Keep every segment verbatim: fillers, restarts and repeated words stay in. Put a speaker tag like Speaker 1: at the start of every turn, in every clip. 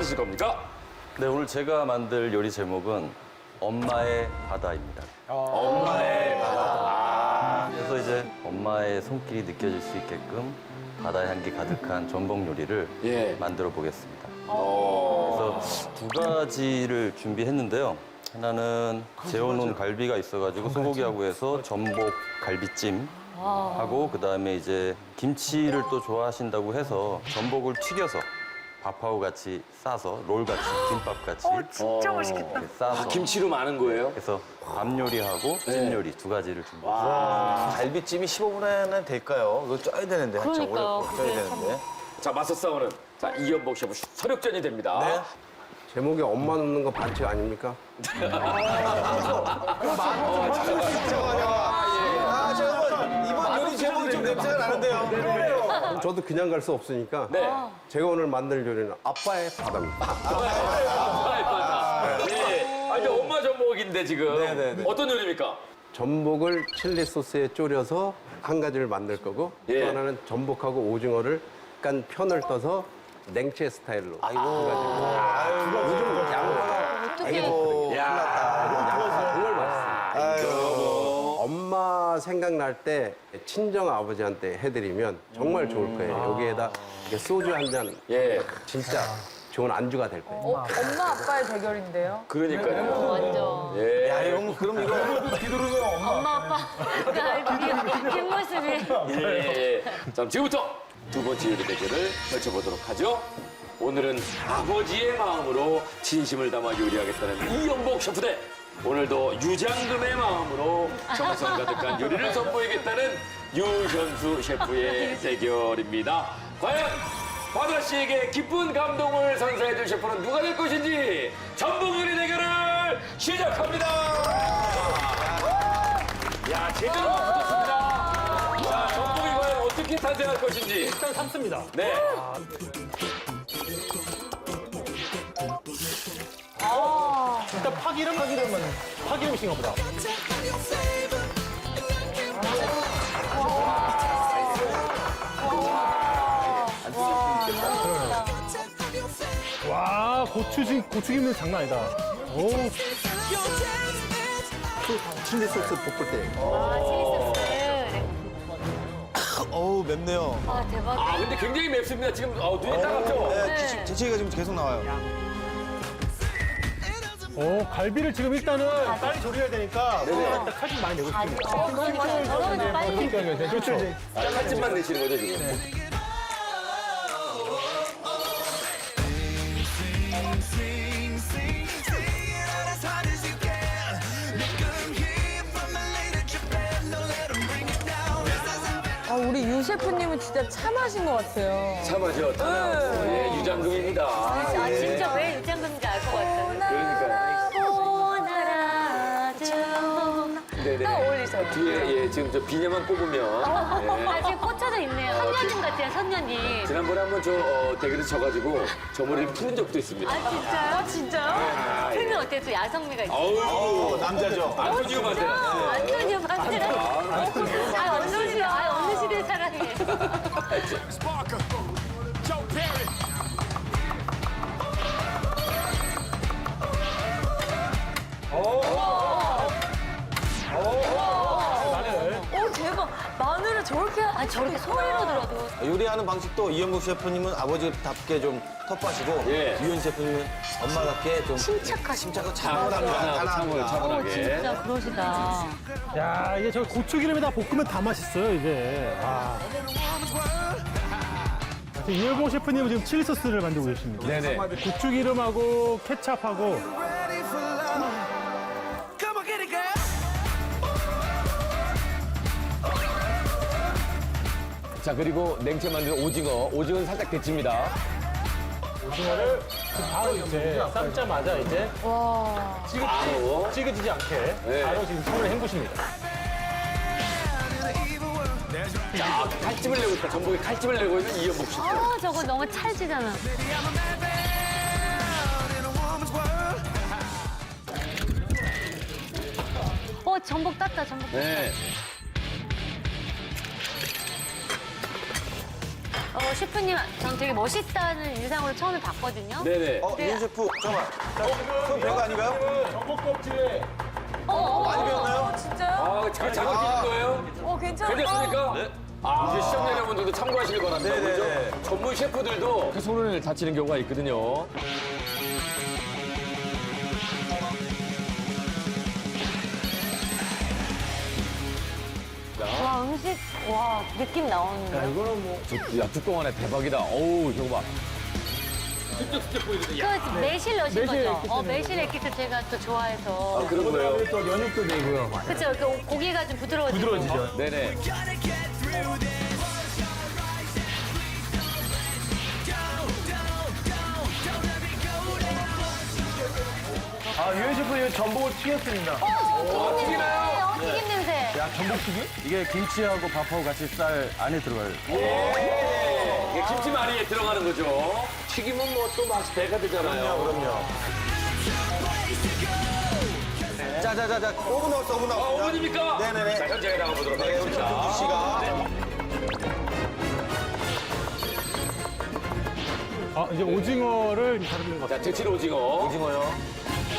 Speaker 1: 만드실 겁니까?
Speaker 2: 네, 오늘 제가 만들 요리 제목은 엄마의 바다입니다.
Speaker 1: 엄마의 바다.
Speaker 2: 그래서 이제 엄마의 손길이 느껴질 수 있게끔 바다 향기 가득한 전복 요리를
Speaker 1: 예.
Speaker 2: 만들어 보겠습니다.
Speaker 1: 어.
Speaker 2: 그래서 두 가지를 준비했는데요. 하나는 재워놓은 갈비가 있어가지고 소고기하고 해서 전복 갈비찜 하고 그다음에 이제 김치를 또 좋아하신다고 해서 전복을 튀겨서 밥하고 같이 싸서 롤같이 김밥같이
Speaker 3: 어, 진짜
Speaker 1: 어.
Speaker 3: 맛있겠다.
Speaker 2: 이렇게 싸서
Speaker 1: 아, 김치로 많은 거예요?
Speaker 2: 그래서 밥 요리하고 찜
Speaker 1: 네.
Speaker 2: 요리 두 가지를 준비했습니다.
Speaker 4: 갈비찜이 십오 분에는 될까요? 이거 쪄야 되는데 한참 오래
Speaker 5: 그러니까요.
Speaker 4: 쪄야
Speaker 5: 그게
Speaker 4: 되는데.
Speaker 1: 자, 맞서 싸우는 자 이연복 셰프 서력전이 됩니다.
Speaker 4: 네.
Speaker 6: 제목에 엄마 넣는 거 반칙 아닙니까?
Speaker 4: 아, 잠깐만. 이번 요리 제목이 좀 냄새가 나는데요.
Speaker 6: 그럼 저도 그냥 갈 수 없으니까
Speaker 1: 네.
Speaker 6: 제가 오늘 만들 요리는 아빠의 바다입니다.
Speaker 1: 아빠의 바다. 예. 아, 이제 엄마 전복인데 지금
Speaker 4: 네, 네, 네.
Speaker 1: 어떤 요리입니까?
Speaker 6: 전복을 칠리 소스에 졸여서 한 가지를 만들 거고
Speaker 1: 예.
Speaker 6: 또 하나는 전복하고 오징어를 약간 편을 떠서 냉채 스타일로
Speaker 4: 아이고. 요즘 양파가 아이고.
Speaker 6: 양파 정말 맛있어요.
Speaker 4: 아이고.
Speaker 6: 엄마 생각날 때 친정 아버지한테 해드리면 정말 좋을 거예요. 여기에다 이렇게 소주 한 잔
Speaker 1: 예.
Speaker 6: 진짜 좋은 안주가 될 거예요.
Speaker 3: 어, 엄마 아빠의 대결인데요.
Speaker 1: 그러니까요.
Speaker 5: 완전.
Speaker 1: 예.
Speaker 4: 야, 형, 그럼 이거
Speaker 5: 엄마, 아빠. 그 뒷모습이.
Speaker 1: 예, 예. 자, 지금부터 두 번째 요리 대결을 펼쳐보도록 하죠. 오늘은 아버지의 마음으로 진심을 담아 요리하겠다는 이연복 셰프 대 오늘도 유장금의 마음으로 정성 가득한 요리를 선보이겠다는 유현수 셰프의 대결입니다. 과연 바다 씨에게 기쁜 감동을 선사해줄 셰프는 누가 될 것인지 전복 요리 대결을 시작합니다. 야, 제대로 붙었습니다. 자, 전복이 과연 어떻게 탄생할 것인지.
Speaker 7: 일단 삶습니다.
Speaker 1: 네.
Speaker 7: 일단 파기름? 파기름은 파기름이신가 보다. 와, 고추지, 고추김은 장난 아니다. 오,
Speaker 4: 칠리 소스 볶을 때.
Speaker 5: 아, 칠리 소스.
Speaker 4: 어우, 맵네요.
Speaker 5: 아, 대박.
Speaker 1: 아, 근데 굉장히 맵습니다. 지금 어, 눈이 따갑죠?
Speaker 4: 네, 기침, 재채기가 지금 계속 나와요.
Speaker 7: 오, 갈비를 지금 일단은 빨리 조리해야 되니까 일단 칼 좀 많이 내고 싶습니다.
Speaker 5: 어, 그러니까 저러면 빨리.
Speaker 7: 그렇죠.
Speaker 1: 칼집만 내시는 거죠, 지금?
Speaker 3: 아, 우리 유 셰프님은 진짜 참하신 것 같아요.
Speaker 1: 참하죠, 참하고. 예, 유장금입니다.
Speaker 5: 아, 진짜 왜 유장금인지 알 것 같아요.
Speaker 1: 그러니까요.
Speaker 5: 보나라 좀.
Speaker 1: 네네.
Speaker 3: 딱 어울리셔요.
Speaker 1: 뒤에, 예, 지금 저 비녀만 뽑으면. 예.
Speaker 5: 아직 꽂혀져 있네요. 선녀님 같아요, 선녀님.
Speaker 1: 지난번에 한번 저 어, 대결에서 져가지고 저 머리를 푸는 적도 있습니다.
Speaker 5: 아, 진짜요?
Speaker 3: 아, 진짜요?
Speaker 5: 틀면 어때요? 또 야성미가 있어요.
Speaker 1: 아우,
Speaker 4: 남자죠.
Speaker 1: 안토니오 반데.
Speaker 5: 안토니오 반데라. 아, 어느 시대, 아, 어느 시대 사람이에요.
Speaker 3: 오, 대박. 마늘을 저렇게.
Speaker 5: 아, 저렇게 소리로 들어도.
Speaker 4: 요리하는 방식도 이현국 셰프님은 아버지답게 좀 텃밭이고
Speaker 1: 예.
Speaker 4: 유현 셰프님은 엄마답게 좀
Speaker 5: 침착하시고.
Speaker 4: 침착하고
Speaker 1: 차분하게, 차분하게, 차분하게.
Speaker 5: 진짜 그러시다.
Speaker 7: 야, 이게 저 고추기름에다 볶으면 다 맛있어요, 이제. 아. 이열봉 셰프님은 지금 칠리 소스를 만들고 계십니다.
Speaker 1: 네네.
Speaker 7: 고추기름하고 케찹하고
Speaker 1: 자, 그리고 냉채 만든 오징어. 오징어는 살짝 데칩니다.
Speaker 7: 오징어를 바로 이제 삶자마자 이제
Speaker 1: 바로.
Speaker 7: 찌그지지 않게
Speaker 1: 네.
Speaker 7: 바로 지금 손을 헹구십니다.
Speaker 1: 자, 칼집을 내고 있다. 전복에 칼집을 내고 있는 이연복 씨.
Speaker 5: 아, 저거 너무 찰지잖아. 어, 전복 땄다, 전복 땄다.
Speaker 1: 네.
Speaker 3: 어,
Speaker 5: 셰프님, 전 되게 멋있다는 인상으로 처음에 봤거든요.
Speaker 1: 네네.
Speaker 4: 어, 윤 셰프, 잠깐만. 자, 손 배가 아닌가요?
Speaker 7: 전복 껍질에
Speaker 5: 어, 어,
Speaker 4: 많이
Speaker 5: 어.
Speaker 4: 배웠나요?
Speaker 3: 진짜요?
Speaker 1: 아, 잘 잡아주신 거예요?
Speaker 3: 어, 괜찮아요.
Speaker 1: 괜찮습니까?
Speaker 2: 네.
Speaker 1: 아, 이제 시청자 여러분들도 참고하실 거랍니다.
Speaker 4: 네네네.
Speaker 1: 그죠? 전문 셰프들도 그 손을 다치는 경우가 있거든요.
Speaker 5: 와, 음식, 와, 느낌 나오는데요.
Speaker 1: 이거는 뭐. 야, 뚜껑 안에 대박이다. 어우, 저거 봐. 슬쩍 슬쩍 보이거든요.
Speaker 5: 그 매실 넣으신
Speaker 7: 매실
Speaker 5: 거죠?
Speaker 7: 액기스
Speaker 5: 어,
Speaker 7: 넣은
Speaker 5: 매실 액기스 제가 또 좋아해서.
Speaker 1: 아, 그런 거예요?
Speaker 7: 그다음에 또 연육도 되고요.
Speaker 5: 그쵸, 그 고기가 좀 부드러워지고.
Speaker 7: 부드러워지죠.
Speaker 1: 네네.
Speaker 7: 아, 유현 셰프 이 전복을 튀겼습니다.
Speaker 5: 어, 튀김 냄새, 어, 튀김 냄새.
Speaker 7: 야, 전복튀김?
Speaker 2: 이게 김치하고 밥하고 같이 쌀 안에 들어가요.
Speaker 1: 이게 김치 많이 들어가는 거죠. 튀김은 뭐 또 맛이 배가 되잖아요.
Speaker 4: 그럼요. 자, 자, 자, 자. 오 분 남았어, 오 분
Speaker 1: 아,
Speaker 4: 남았어.
Speaker 1: 오 분입니까?
Speaker 4: 네네네.
Speaker 1: 자, 현장에 나가보도록
Speaker 4: 네, 우리
Speaker 1: 하겠습니다.
Speaker 4: 정수 씨가.
Speaker 7: 아, 이제 오징어를 다루는 것 같아요.
Speaker 1: 자, 데칠 오징어.
Speaker 4: 오징어요.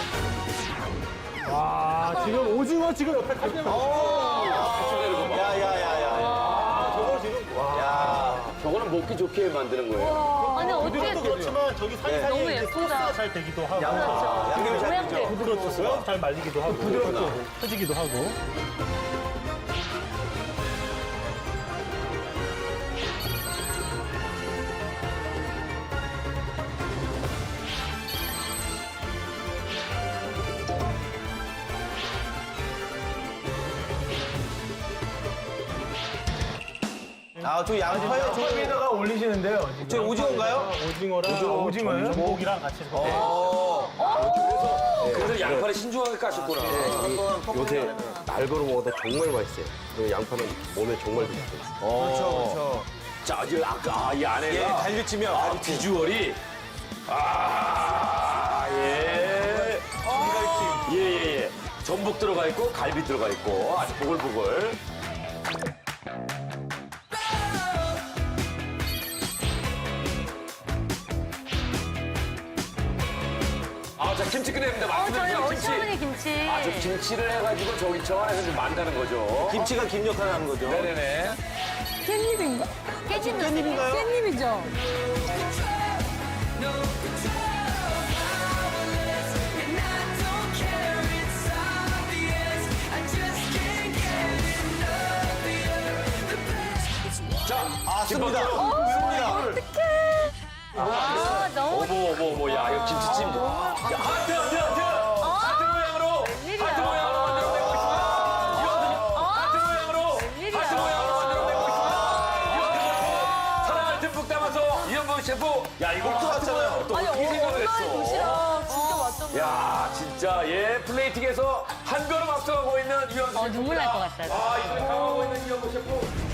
Speaker 7: 아, 지금 오징어 지금 옆에 가지 마.
Speaker 1: 데쳐내는 거 봐.
Speaker 4: 야, 야, 야, 야.
Speaker 7: 저거 지금. 와.
Speaker 4: 야.
Speaker 1: 저거는 먹기 좋게 만드는 거예요.
Speaker 5: 아니, 어떻게.
Speaker 7: 부드럽도 그렇지만 저기 사이사이에
Speaker 5: 너무
Speaker 7: 이제
Speaker 5: 예쁘다.
Speaker 7: 소스가 잘 되기도 하고.
Speaker 4: 양념이 잘
Speaker 5: 모양도
Speaker 4: 되죠.
Speaker 5: 예쁘고.
Speaker 7: 부드럽고요. 잘 말리기도 하고. 부드럽고 터지기도 하고.
Speaker 4: 아, 저 양파요? 저
Speaker 7: 위에다가 올리시는데요. 지금.
Speaker 4: 저 오징어인가요?
Speaker 7: 오징어랑 오징어요? 전복이랑 같이 이렇게.
Speaker 4: 어.
Speaker 1: 그래서 양파를 신중하게 까셨구나.
Speaker 6: 요새 날거로 먹어도 정말 맛있어요. 그리고 양파는 몸에 정말 좋고.
Speaker 4: 그렇죠, 그렇죠.
Speaker 1: 자, 이제 아까 아, 이
Speaker 4: 예,
Speaker 1: 안에가
Speaker 4: 갈비찜이요.
Speaker 1: 아,
Speaker 4: 갈비찜.
Speaker 1: 비주얼이 아, 예. 예, 예, 예. 전복 들어가 있고 갈비 들어가 있고 아주 보글보글. 아, 자, 김치 끝냅니다.
Speaker 5: 어, 저희
Speaker 1: 말씀드린 김치.
Speaker 5: 어시어머니 김치.
Speaker 1: 아, 저 김치를 해가지고 저기 저 안에서 좀 만다는 거죠.
Speaker 4: 김치가 김 역할을 하는 거죠.
Speaker 1: 네네네.
Speaker 3: 깻잎인가?
Speaker 5: 깨진 냄새.
Speaker 3: 깻잎이죠?
Speaker 1: 자,
Speaker 4: 아, 씁니다.
Speaker 1: 김밥도.
Speaker 4: 씁니다.
Speaker 5: 아, 너무.
Speaker 1: 어머, 어머, 어머, 야, 이거 김치찜. 야, 하트, 하트, 하트! 하트 모양으로!
Speaker 5: 웬일이야.
Speaker 1: 하트 모양으로 만들어내고 있습니다. 이거 하트 모양으로!
Speaker 5: 웬일이야.
Speaker 1: 하트 모양으로 만들어내고 있습니다. 이거 사랑을 듬뿍 담아서 이현범 셰프. 야, 이거 하트
Speaker 4: 왔잖아요.
Speaker 1: 모양으로 또
Speaker 3: 아니,
Speaker 1: 어떻게 생각을
Speaker 3: 엄마의
Speaker 1: 했어?
Speaker 3: 도시락 진짜 맛있어.
Speaker 1: 야, 진짜, 예, 플레이팅에서 한 걸음 앞서가고 있는 이현범 셰프.
Speaker 5: 어, 눈물 날 것 같다.
Speaker 1: 아, 이번에 강하고 있는 이현범 셰프.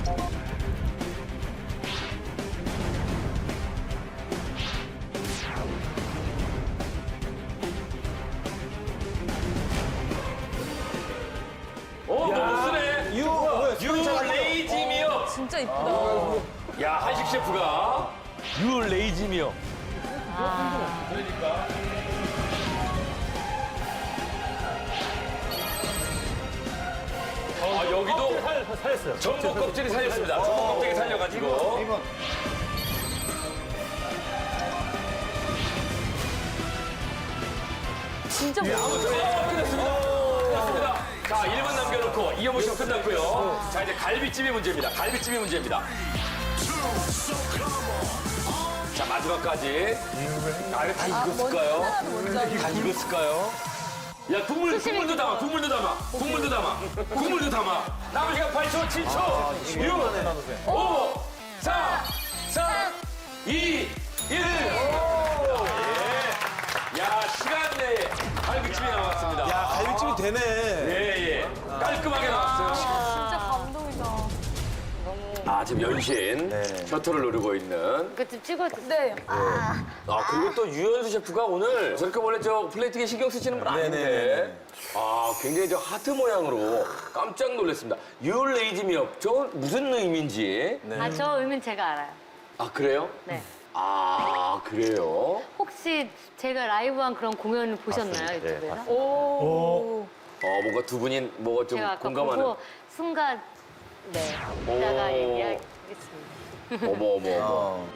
Speaker 1: 어, 너무 쓰네.
Speaker 4: 유, 뭐야,
Speaker 1: 유 레이지미어.
Speaker 3: 진짜 이쁘다.
Speaker 1: 야, 한식 셰프가 유 레이지미어. 아, 여기도
Speaker 7: 살, 살렸어요.
Speaker 1: 전복 껍질이 살렸습니다. 전복 껍질이 살려가지고.
Speaker 3: 진짜
Speaker 1: 예,
Speaker 3: 맛있어.
Speaker 1: 아무튼 예, 끝났습니다. 끝났습니다. 자, 일 분 남겨놓고 이현무 씨가 끝났고요. 자, 이제 갈비찜이 문제입니다. 갈비찜이 문제입니다. 자, 마지막까지. 아, 이거 다 익었을까요? 다 익었을까요? 야, 국물, 국물도 담아, 국물도 담아, 국물도 담아, 국물도 담아. 남은 시간 팔 초, 칠 초, 육, 오, 사, 삼, 이, 일. 야, 시간 내에 갈비찜이 나왔습니다.
Speaker 4: 야, 갈비찜이 되네.
Speaker 1: 예, 예. 깔끔하게 나왔어요.
Speaker 3: 진짜 감동이다.
Speaker 1: 아, 지금 연신 셔터를 노리고 있는.
Speaker 5: 그좀 찍어도.
Speaker 3: 네.
Speaker 1: 아, 그리고 또 유현수 셰프가 오늘 저렇게 원래 저 플레이팅에 신경 쓰시는 분 아닌데.
Speaker 4: 네네.
Speaker 1: 아, 굉장히 저 하트 모양으로 깜짝 놀랐습니다. 유 레이지미업. 저 무슨 의미인지.
Speaker 5: 아, 저 의미는 제가 알아요.
Speaker 1: 아, 그래요?
Speaker 5: 네.
Speaker 1: 아, 그래요?
Speaker 5: 혹시 제가 라이브한 그런 공연을 보셨나요,
Speaker 2: 네,
Speaker 5: 유튜브에서?
Speaker 2: 봤습니다.
Speaker 3: 오.
Speaker 1: 어, 뭔가 두 분이 뭐가 좀
Speaker 5: 제가 아까
Speaker 1: 공감하는.
Speaker 5: 보고 순간 네
Speaker 1: 오.
Speaker 5: 이따가 얘기하겠습니다.
Speaker 1: 어머, 어머, 어머.
Speaker 4: 어.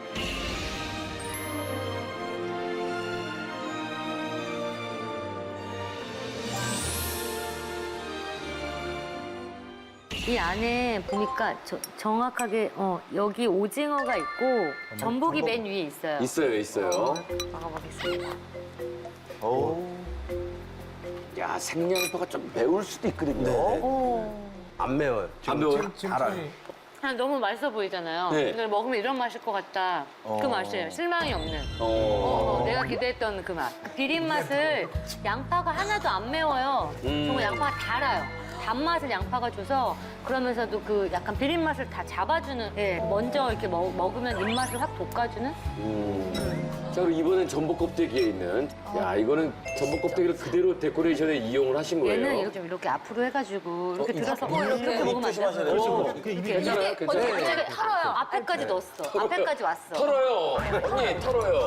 Speaker 5: 이 안에 보니까 저- 정확하게 어, 여기 오징어가 있고 전복이 맨 위에 있어요.
Speaker 1: 있어요, 있어요.
Speaker 5: 먹어보겠습니다.
Speaker 4: 오.
Speaker 1: 야, 생양파가 좀 매울 수도 있거든요.
Speaker 5: 오.
Speaker 6: 안 매워요.
Speaker 1: 안 매워요?
Speaker 5: 그냥 너무 맛있어 보이잖아요.
Speaker 1: 네.
Speaker 5: 이걸 먹으면 이런 맛일 것 같다. 그 맛이에요. 실망이 없는.
Speaker 1: 어.
Speaker 5: 어, 내가 기대했던 그 맛. 그 비린 맛을 양파가 하나도 안 매워요.
Speaker 1: 음.
Speaker 5: 정말 양파가 달아요. 단맛을 양파가 줘서 그러면서도 그 약간 비린 맛을 다 잡아주는. 예, 먼저 이렇게 먹, 먹으면 입맛을 확 돋궈주는.
Speaker 1: 음. 자, 그리고 이번엔 전복 껍데기에 있는. 야, 이거는 전복 껍데기를 그대로 데코레이션에 이용을 하신 거예요.
Speaker 5: 얘는 이렇게 좀 이렇게 앞으로 해가지고 이렇게 들어서
Speaker 3: 어, 이렇게.
Speaker 5: 이렇게 먹으면 안
Speaker 4: 조심하셔야
Speaker 5: 돼요.
Speaker 4: 돼요.
Speaker 1: 어,
Speaker 7: 그 입이
Speaker 1: 괜찮아요? 괜찮아요?
Speaker 5: 갑자기 털어요. 앞에까지 넣었어. 앞에까지 왔어.
Speaker 1: 털어요. 언니, 털어요.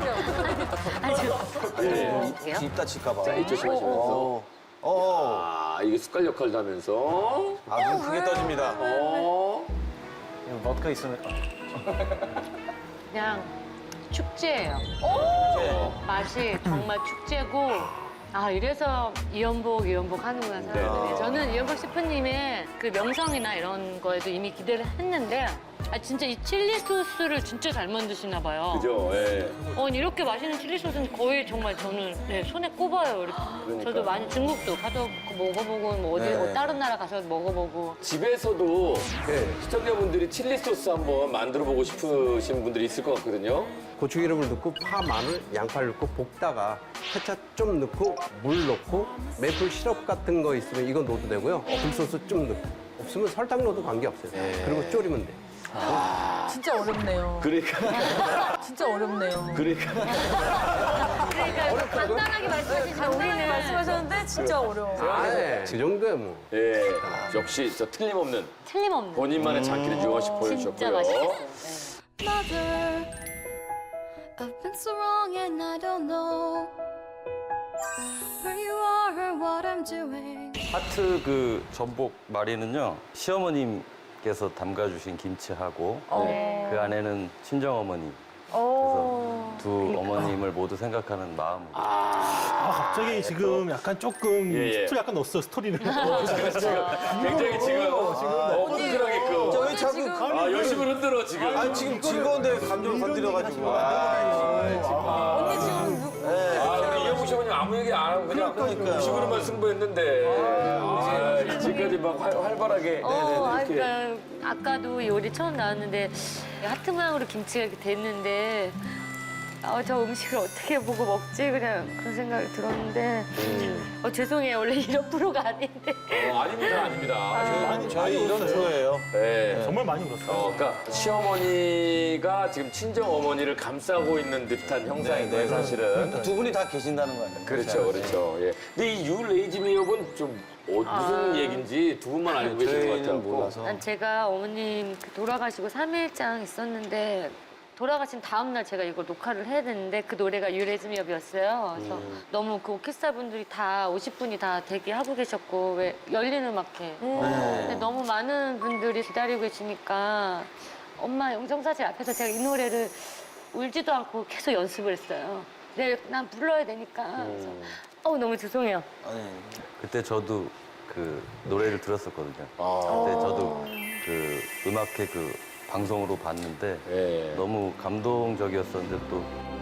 Speaker 5: 아주.
Speaker 1: 네.
Speaker 5: 어떡해요?
Speaker 4: 입 다칠까봐.
Speaker 1: 자, 이 조심하시면서.
Speaker 4: 어. 어.
Speaker 1: 아, 이게 숟갈 역할도 하면서.
Speaker 4: 아, 눈 크게 떠집니다.
Speaker 1: 어.
Speaker 7: 버터가 있으면
Speaker 5: 그냥 축제예요. 맛이 정말 축제고 아 이래서 이연복 이연복 하는구나 사람들이.
Speaker 1: 네.
Speaker 5: 저는 이연복 셰프님의 그 명성이나 이런 거에도 이미 기대를 했는데 아 진짜 이 칠리 소스를 진짜 잘 만드시나 봐요.
Speaker 1: 그죠? 예.
Speaker 5: 어, 이렇게 맛있는 칠리 소스는 거의 정말 저는 네, 손에 꼽아요. 이렇게.
Speaker 1: 그러니까.
Speaker 5: 저도 많이 중국도 가서 먹어보고 뭐 어디
Speaker 4: 네.
Speaker 5: 뭐 다른 나라 가서 먹어보고
Speaker 1: 집에서도
Speaker 6: 네.
Speaker 1: 시청자분들이 칠리 소스 한번 만들어 보고 싶으신 분들이 있을 것 같거든요.
Speaker 6: 고추기름을 넣고 파, 마늘, 양파를 넣고 볶다가 케찹 좀 넣고 물 넣고 메이플 시럽 같은 거 있으면 이거 넣어도 되고요. 굴소스 좀 넣고 없으면 설탕 넣어도 관계없어요. 그리고 졸이면 돼.
Speaker 3: 진짜 어렵네요.
Speaker 1: 그러니까
Speaker 3: 진짜 어렵네요.
Speaker 1: 그러니까
Speaker 5: 그러니까 간단하게 말씀하시지만
Speaker 3: 간단하게
Speaker 5: 우리는
Speaker 3: 말씀하셨는데 진짜 어려워.
Speaker 6: 아, 네. 그 정도야 뭐.
Speaker 1: 예. 역시 저 틀림없는
Speaker 5: 틀림없는
Speaker 1: 본인만의 장기를 유영씨
Speaker 5: 음. 진짜
Speaker 1: 보여주셨고요.
Speaker 5: 맛있겠어요. 네.
Speaker 8: Mother, I've been so wrong and I don't know where you are or what I'm doing.
Speaker 2: 하트 그 전복 마리는요 시어머님께서 담가주신 김치하고
Speaker 3: 어.
Speaker 2: 그 안에는 친정 어머니
Speaker 3: 어.
Speaker 2: 그래서 두 어머님을 모두 생각하는 마음으로
Speaker 7: 아, 갑자기 지금 약간 조금
Speaker 1: 예, 예.
Speaker 7: 스토리 약간 넣었어 스토리를.
Speaker 1: 그래서 지금 굉장히 지금 어, 끈끈하게끔.
Speaker 4: 저희 자꾸
Speaker 1: 아, 열심히 흔들어 지금.
Speaker 4: 아니 지금 즐거운데 감정 건드려가지고. 아,
Speaker 3: 언니 지금 누-
Speaker 1: 아, 우리 이영국 셰프님 아무 얘기 안 하고 그냥 음식으로만 승부했는데 아, 지금까지 막 활, 활발하게
Speaker 5: 어, 아,
Speaker 1: 이렇게.
Speaker 5: 그러니까 아까도 요리 처음 나왔는데 하트 모양으로 김치가 이렇게 됐는데 아, 저 음식을 어떻게 보고 먹지 그냥 그런 생각이 들었는데
Speaker 1: 음.
Speaker 5: 어, 죄송해요 원래 이런 프로가 아닌데
Speaker 1: 어, 아닙니다, 아닙니다.
Speaker 7: 많이
Speaker 4: 저희 이런 프로예요.
Speaker 1: 네.
Speaker 7: 정말 많이 울었어요.
Speaker 1: 어, 그러니까 시어머니가 지금 친정 어머니를 감싸고 있는 듯한 형상인 거예요, 사실은.
Speaker 4: 두 분이 다 계신다는 거 아니에요?
Speaker 1: 그렇죠, 그렇죠. 예. 근데 이 유 레이지 미역은 좀 어, 무슨 얘기인지 두 분만 알고 계신 것 같아요.
Speaker 4: 저희는 몰라서.
Speaker 5: 난 제가 어머님 그 돌아가시고 삼 일장 있었는데 돌아가신 다음 날 제가 이걸 녹화를 해야 되는데 그 노래가 유레즈미업이었어요. 그래서
Speaker 1: 음.
Speaker 5: 너무 그 오케스트라 분들이 다 오십 분이 다 대기하고 계셨고 왜 열린 음악회.
Speaker 1: 음.
Speaker 5: 근데 너무 많은 분들이 기다리고 계시니까 엄마 영정사진 앞에서 제가 이 노래를 울지도 않고 계속 연습을 했어요. 내일 난 불러야 되니까. 그래서
Speaker 1: 음.
Speaker 5: 어우 너무 죄송해요.
Speaker 4: 아니,
Speaker 2: 그때 저도 그 노래를 들었었거든요.
Speaker 1: 아,
Speaker 2: 그때 저도 그 음악회 그 방송으로 봤는데
Speaker 1: 예.
Speaker 2: 너무 감동적이었었는데 또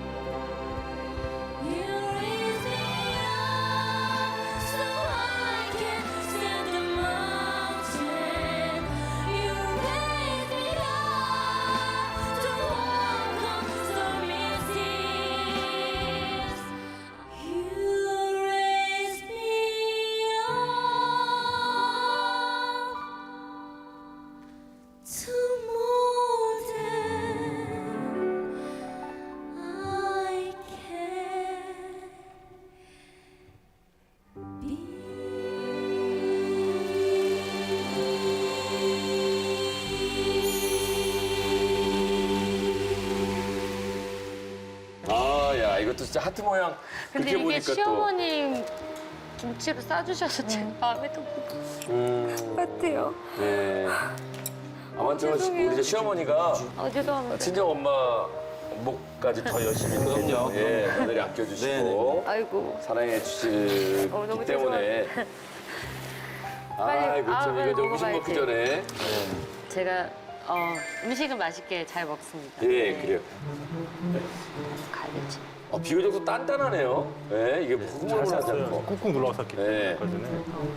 Speaker 8: You raise me up so I can stand the mountain. You raise me up to walk on stormy seas. You raise me up to more than I
Speaker 1: 이것도 진짜 하트 모양.
Speaker 5: 근데
Speaker 1: 그렇게
Speaker 5: 이게
Speaker 1: 보니까 또.
Speaker 5: 시어머님 김치로 싸주셔서 제 마음에 더
Speaker 1: 음,
Speaker 5: 같아요.
Speaker 1: 네. 아마 저 시-
Speaker 5: 죄송해요.
Speaker 1: 우리 저 시어머니가
Speaker 5: 아, 죄송합니다.
Speaker 1: 친정 엄마 목까지 더 열심히
Speaker 2: 그럼요.
Speaker 1: 예, 며느리 아껴주시고
Speaker 5: 아이고.
Speaker 1: 사랑해 주시기
Speaker 5: 어, 너무
Speaker 1: 때문에.
Speaker 5: 빨리,
Speaker 1: 아이고
Speaker 5: 아,
Speaker 1: 참
Speaker 5: 빨리
Speaker 1: 이거 저 음식
Speaker 5: 먹어봐야지.
Speaker 1: 먹기 전에.
Speaker 5: 제가 어, 음식은 맛있게 잘 먹습니다.
Speaker 1: 예, 그래요.
Speaker 5: 갈비찜.
Speaker 1: 어, 비교적 잘단단하네요. 예, 이게
Speaker 7: 잘
Speaker 1: 흐물흐물하지
Speaker 7: 샀어요.
Speaker 1: 않고.
Speaker 7: 꾹꾹 눌러 샀기 때문에.
Speaker 1: 네.
Speaker 7: 아까 전에.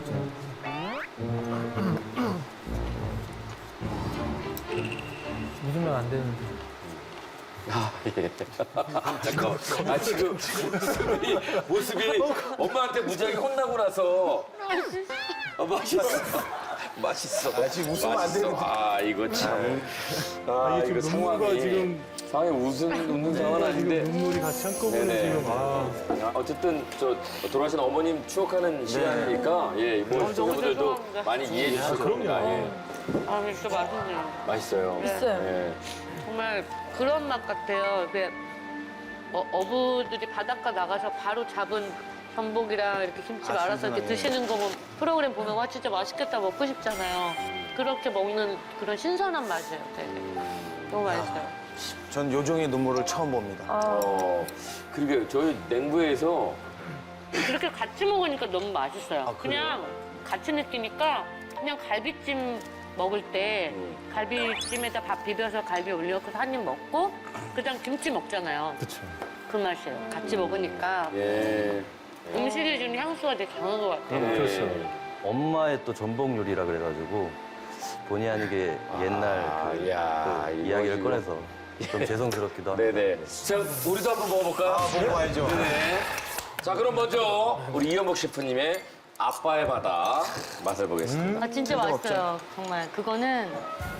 Speaker 9: 묻으면 안 되는데.
Speaker 1: 아, 예. 잠깐만. 아, 지금 모습이, 모습이 엄마한테 무지하게 혼나고 나서. 아, 맛있어. 맛있어.
Speaker 4: 아, 지금 웃으면 안
Speaker 1: 맛있어.
Speaker 4: 되는데.
Speaker 1: 아, 이거 참. 아,
Speaker 7: 이게
Speaker 1: 이거
Speaker 7: 지금 눈물과
Speaker 1: 상황이.
Speaker 7: 지금-
Speaker 1: 상황이 웃은, 웃는 상황은 아닌데.
Speaker 7: 지금 눈물이 같이 한꺼번에
Speaker 1: 네네.
Speaker 7: 지금 아.
Speaker 1: 아, 어쨌든 저 돌아가신 어머님 추억하는 시간이니까 예, 뭐 시청자분들도
Speaker 5: 죄송합니다.
Speaker 1: 많이 이해해 주실 겁니다. 예.
Speaker 5: 아, 진짜 맛있네요.
Speaker 1: 맛있어요.
Speaker 3: 있어요.
Speaker 1: 예.
Speaker 5: 정말 그런 맛 같아요. 이게 어, 어부들이 바닷가 나가서 바로 잡은 전복이랑 이렇게 김치 말아서 이렇게 드시는 거 보면 프로그램 보면 와 진짜 맛있겠다 먹고 싶잖아요. 그렇게 먹는 그런 신선한 맛이에요. 되게 너무 맛있어요.
Speaker 4: 전 요정의 눈물을 처음 봅니다.
Speaker 1: 어, 그러게 저희 냉부에서
Speaker 5: 그렇게 같이 먹으니까 너무 맛있어요.
Speaker 4: 아, 그래요?
Speaker 5: 그냥 같이 느끼니까 그냥 갈비찜 먹을 때 갈비찜에다 밥 비벼서 갈비 올려서 한 입 먹고 그다음 김치 먹잖아요.
Speaker 7: 그쵸.
Speaker 5: 그 맛이에요. 같이 먹으니까
Speaker 1: 예.
Speaker 5: 음식이 주는 향수가 되게 강한 것 같아요.
Speaker 1: 예.
Speaker 7: 그렇죠.
Speaker 2: 엄마의 또 전복 요리라 그래가지고 본의 아니게 옛날 그
Speaker 1: 야,
Speaker 2: 또
Speaker 1: 이거
Speaker 2: 이야기를
Speaker 1: 지금-
Speaker 2: 꺼내서 좀 죄송스럽기도 합니다.
Speaker 1: 네네. 자, 우리도 한번 먹어볼까요?
Speaker 4: 먹어봐야죠.
Speaker 1: 네네. 자, 그럼 먼저 우리 이현복 셰프님의 아빠의 바다 맛을 보겠습니다.
Speaker 5: 아 진짜 맛있어요. 정말 그거는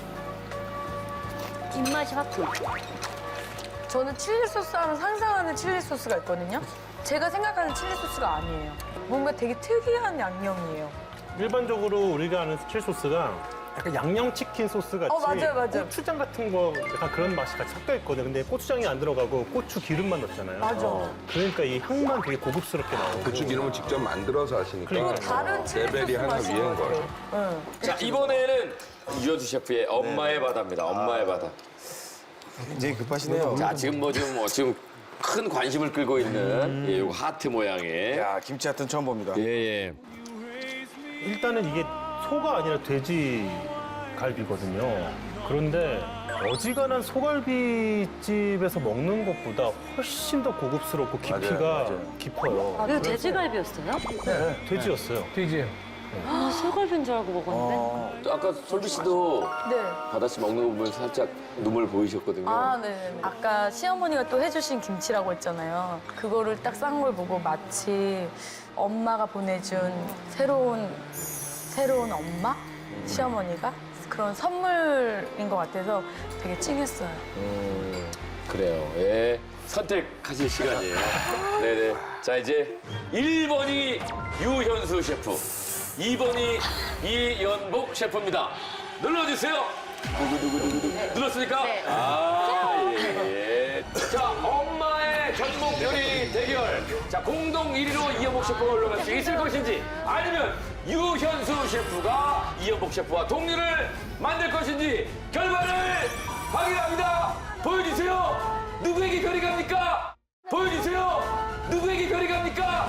Speaker 5: 입맛이 확 돌.
Speaker 3: 저는 칠리 소스 하면 상상하는 칠리 소스가 있거든요. 제가 생각하는 칠리 소스가 아니에요. 뭔가 되게 특이한 양념이에요.
Speaker 7: 일반적으로 우리가 아는 칠리 소스가 약간 양념치킨 소스 같이
Speaker 3: 어, 맞아요, 맞아요.
Speaker 7: 고추장 같은 거 약간 그런 맛이 같이 섞여 있거든요. 근데 고추장이 안 들어가고 고추 기름만 넣잖아요.
Speaker 3: 맞아.
Speaker 7: 그러니까 이 향만 되게 고급스럽게 나오고.
Speaker 10: 고추 기름을 직접 만들어서 하시니까
Speaker 7: 그러니까.
Speaker 3: 다른 칠리 소스
Speaker 10: 레벨이 하나
Speaker 3: 맛인
Speaker 10: 위인
Speaker 3: 것
Speaker 10: 거예요.
Speaker 3: 같아요. 응.
Speaker 1: 자, 이번에는 유현수 셰프의 엄마의 바다입니다. 엄마의 바다.
Speaker 4: 굉장히 급하시네요.
Speaker 1: 자, 지금 뭐 지금 뭐 지금 큰 관심을 끌고 있는 예, 요거 하트 모양의
Speaker 4: 야, 김치 하여튼 처음 봅니다.
Speaker 1: 예, 예.
Speaker 7: 일단은 이게 소가 아니라 돼지 갈비거든요. 그런데 어지간한 소갈비집에서 먹는 것보다 훨씬 더 고급스럽고 깊이가
Speaker 2: 맞아요, 맞아요.
Speaker 7: 깊어요.
Speaker 5: 이거 돼지갈비였어요?
Speaker 7: 돼지였어요.
Speaker 9: 돼지요.
Speaker 5: 아 소갈비인 줄 알고 먹었는데.
Speaker 1: 또 아까 솔비 씨도
Speaker 3: 네.
Speaker 1: 바다 씨 먹는 거 보면 살짝 눈물 보이셨거든요.
Speaker 3: 아, 네. 아까 시어머니가 또 해주신 김치라고 했잖아요. 그거를 딱 싼 걸 보고 마치 엄마가 보내준 새로운, 새로운 엄마? 시어머니가? 그런 선물인 것 같아서 되게 찡했어요.
Speaker 1: 그래요. 예. 선택하실 시간이에요. 네네. 자, 이제 일 번이 유현수 셰프, 이 번이 이연복 셰프입니다. 눌러주세요. 누구누구누구 눌렀습니까?
Speaker 5: 네.
Speaker 1: 아, 예. 자, 엄마의 전복 요리 대결. 자, 공동 일 위로 이연복 셰프가 올라갈 수 있을 것인지, 아니면 유현수 셰프가 이연복 셰프와 동률을 만들 것인지 결과를 확인합니다. 보여주세요. 누구에게 별이 갑니까? 보여주세요. 누구에게 별이 갑니까?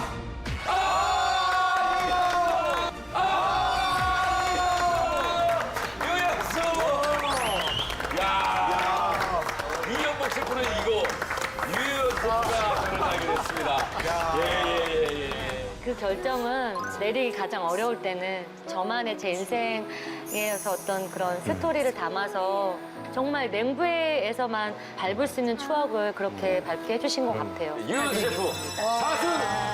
Speaker 1: 아! 아! 유현수! 야! 이연복 셰프는 이거 유현수가 별을 달게 됐습니다. 예, 예, 예, 예.
Speaker 5: 그 결정은 내리기 가장 어려울 때는 저만의 제 인생에서 어떤 그런 스토리를 담아서 정말 냉부에서만 밟을 수 있는 추억을 그렇게 밟게 해주신 것 같아요.
Speaker 1: 유현수 셰프 사승